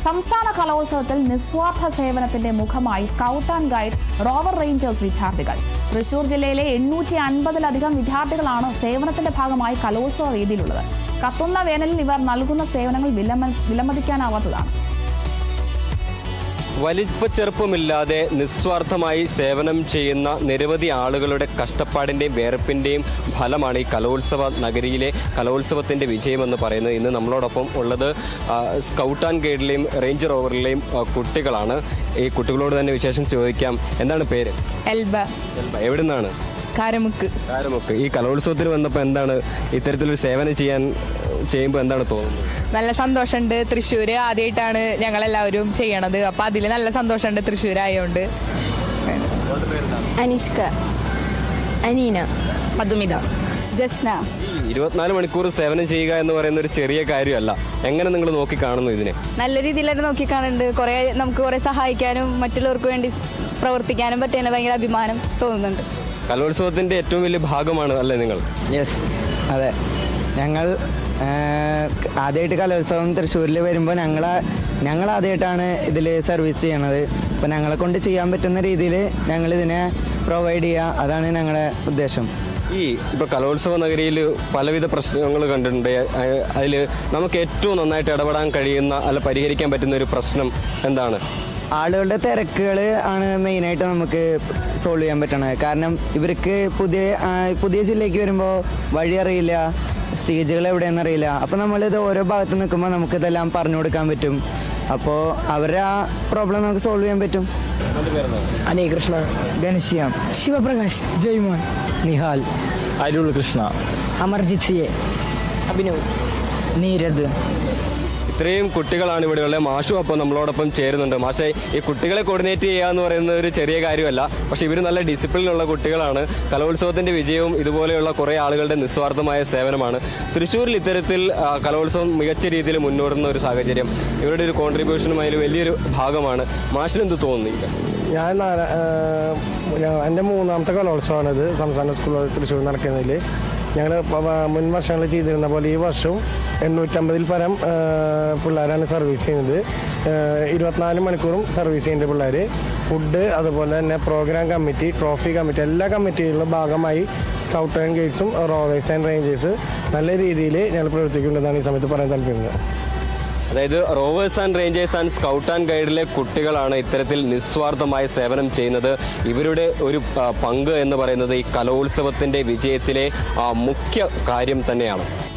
സംസ്ഥാന കലോത്സവത്തിൽ നിസ്വാർത്ഥ സേവനത്തിന്റെ മുഖമായി scout and guide rover rangers വിദ്യാർത്ഥികൾ. തൃശൂർ ജില്ലയിലെ 850-ലധികം വിദ്യാർത്ഥികളാണ് സേവനത്തിന്റെ ഭാഗമായി കലോത്സവ വേദിയിലുള്ളത്. കത്തുന്ന വേനലിൽ ഇവർ നൽകുന്ന സേവനങ്ങൾ വിലമതിക്കാനാവാത്തതാണ്. വലിപ്പച്ചെറുപ്പമില്ലാതെ നിസ്വാർത്ഥമായി സേവനം ചെയ്യുന്ന നിരവധി ആളുകളുടെ കഷ്ടപ്പാടിൻ്റെയും വേർപ്പിൻ്റെയും ഫലമാണ് ഈ കലോത്സവ നഗരിയിലെ കലോത്സവത്തിൻ്റെ വിജയമെന്ന് പറയുന്നത്. ഇന്ന് നമ്മളോടൊപ്പം ഉള്ളത് സ്കൗട്ട് ആൻഡ് ഗൈഡിലെയും റേഞ്ച് റോവറിലെയും കുട്ടികളാണ്. ഈ കുട്ടികളോട് തന്നെ വിശേഷം ചോദിക്കാം. എന്താണ് പേര്? എൽബ. എവിടെ നിന്നാണ്? കാരമുക്ക്. ഈ കലോത്സവത്തിന് വന്നപ്പോൾ എന്താണ് ഇത്തരത്തിലൊരു സേവനം ചെയ്യുമ്പോൾ എന്താണ് തോന്നുന്നത്? നല്ല സന്തോഷമുണ്ട്. തൃശ്ശൂർ ആദ്യമായിട്ടാണ് ഞങ്ങളെല്ലാവരും ചെയ്യണത്. അപ്പം അതിൽ നല്ല സന്തോഷമുണ്ട് തൃശ്ശൂരായോണ്ട്. അനിഷ്ക, അനീന, മധുമിത, ജസ്ന. 24 മണിക്കൂർ സേവനം ചെയ്യുക എന്ന് പറയുന്ന ഒരു ചെറിയ കാര്യമല്ല. എങ്ങനെ നിങ്ങൾ നോക്കിക്കാണുന്നു ഇതിനെ? നല്ല രീതിയിലായിട്ട് നോക്കിക്കാണുന്നുണ്ട്. നമുക്ക് കുറേ സഹായിക്കാനും മറ്റുള്ളവർക്ക് വേണ്ടി പ്രവർത്തിക്കാനും പറ്റിയതിന് ഭയങ്കര അഭിമാനം തോന്നുന്നുണ്ട്. കലോത്സവത്തിന്റെ ഏറ്റവും വലിയ ഭാഗമാണ് അല്ലേ നിങ്ങൾ? യെസ്, അതെ. ഞങ്ങൾ ആദ്യമായിട്ട് കലോത്സവം തൃശ്ശൂരിൽ വരുമ്പോൾ ഞങ്ങൾ ആദ്യമായിട്ടാണ് ഇതിൽ സർവീസ് ചെയ്യണത്. അപ്പോൾ ഞങ്ങളെ കൊണ്ട് ചെയ്യാൻ പറ്റുന്ന രീതിയിൽ ഞങ്ങളിതിനെ പ്രൊവൈഡ് ചെയ്യുക, അതാണ് ഞങ്ങളുടെ ഉദ്ദേശം. ഇപ്പോൾ കലോത്സവ നഗരിയിൽ പലവിധ പ്രശ്നങ്ങൾ കണ്ടിട്ടുണ്ട്. അതിൽ നമുക്ക് ഏറ്റവും നന്നായിട്ട് ഇടപെടാൻ കഴിയുന്ന അല്ല പരിഹരിക്കാൻ പറ്റുന്ന ഒരു പ്രശ്നം എന്താണ്? ആളുകളുടെ തിരക്കുകൾ ആണ് മെയിനായിട്ട് നമുക്ക് സോൾവ് ചെയ്യാൻ പറ്റണത്. കാരണം ഇവർക്ക് പുതിയ ജില്ലയ്ക്ക് വരുമ്പോൾ വഴി അറിയില്ല, സ്റ്റേജുകൾ എവിടെയെന്ന് അറിയില്ല. അപ്പോൾ നമ്മളിത് ഓരോ ഭാഗത്ത് നിൽക്കുമ്പോൾ നമുക്കിതെല്ലാം പറഞ്ഞു കൊടുക്കാൻ പറ്റും. അപ്പോൾ അവരുടെ ആ പ്രോബ്ലം നമുക്ക് സോൾവ് ചെയ്യാൻ പറ്റും. അനീകൃഷ്ണ, ഘനശ്യാം, ശിവപ്രകാശ്, ജയ്മോൻ, നിഹാൽ, അരുൾ കൃഷ്ണ, അമർജിത് സിയെ, അഭിനവ്, നീരദ്. ഇത്രയും കുട്ടികളാണ് ഇവിടെയുള്ളത്. മാഷും അപ്പോൾ നമ്മളോടൊപ്പം ചേരുന്നുണ്ട്. മാഷെ, ഈ കുട്ടികളെ കോർഡിനേറ്റ് ചെയ്യുക എന്ന് പറയുന്നത് ഒരു ചെറിയ കാര്യമല്ല. പക്ഷേ ഇവർ നല്ല ഡിസിപ്ലിനുള്ള കുട്ടികളാണ്. കലോത്സവത്തിൻ്റെ വിജയവും ഇതുപോലെയുള്ള കുറേ ആളുകളുടെ നിസ്വാർത്ഥമായ സേവനമാണ്. തൃശ്ശൂരിൽ ഇത്തരത്തിൽ കലോത്സവം മികച്ച രീതിയിൽ മുന്നോടുന്ന ഒരു സാഹചര്യം ഇവരുടെ ഒരു കോൺട്രിബ്യൂഷനും അതിൽ വലിയൊരു ഭാഗമാണ്. മാഷിന് എന്ത് തോന്നുന്നു? എൻ്റെ 3ാമത്തെ കലോത്സവമാണിത് സംസ്ഥാന സ്കൂൾ തൃശ്ശൂർ നടക്കുന്നതിൽ. ഞങ്ങൾ മുൻ വർഷങ്ങളിൽ ചെയ്തിരുന്ന പോലെ ഈ വർഷവും 850-ൽ പരം പിള്ളേരാണ് സർവീസ് ചെയ്യുന്നത്. 24 മണിക്കൂറും സർവീസ് ചെയ്യുന്ന പിള്ളേർ. ഫുഡ്, അതുപോലെ തന്നെ പ്രോഗ്രാം കമ്മിറ്റി, ട്രോഫി കമ്മിറ്റി, എല്ലാ കമ്മിറ്റികളിലും ഭാഗമായി സ്കൗട്ട് ആൻഡ് ഗൈഡ്സും റോവേഴ്സ് ആൻഡ് റേഞ്ചേഴ്സ് നല്ല രീതിയിൽ ഞങ്ങൾ പ്രവർത്തിക്കുന്നുണ്ടെന്നാണ് ഈ സമയത്ത് പറയാൻ താല്പര്യമുള്ളത്. അതായത് rovers and rangers and scout and ഗൈഡിലെ കുട്ടികളാണ് ഇത്തരത്തിൽ നിസ്വാർത്ഥമായ സേവനം ചെയ്യുന്നത്. ഇവരുടെ ഒരു പങ്ക് എന്ന് പറയുന്നത് ഈ കലോത്സവത്തിൻ്റെ വിജയത്തിലെ മുഖ്യ കാര്യം തന്നെയാണ്.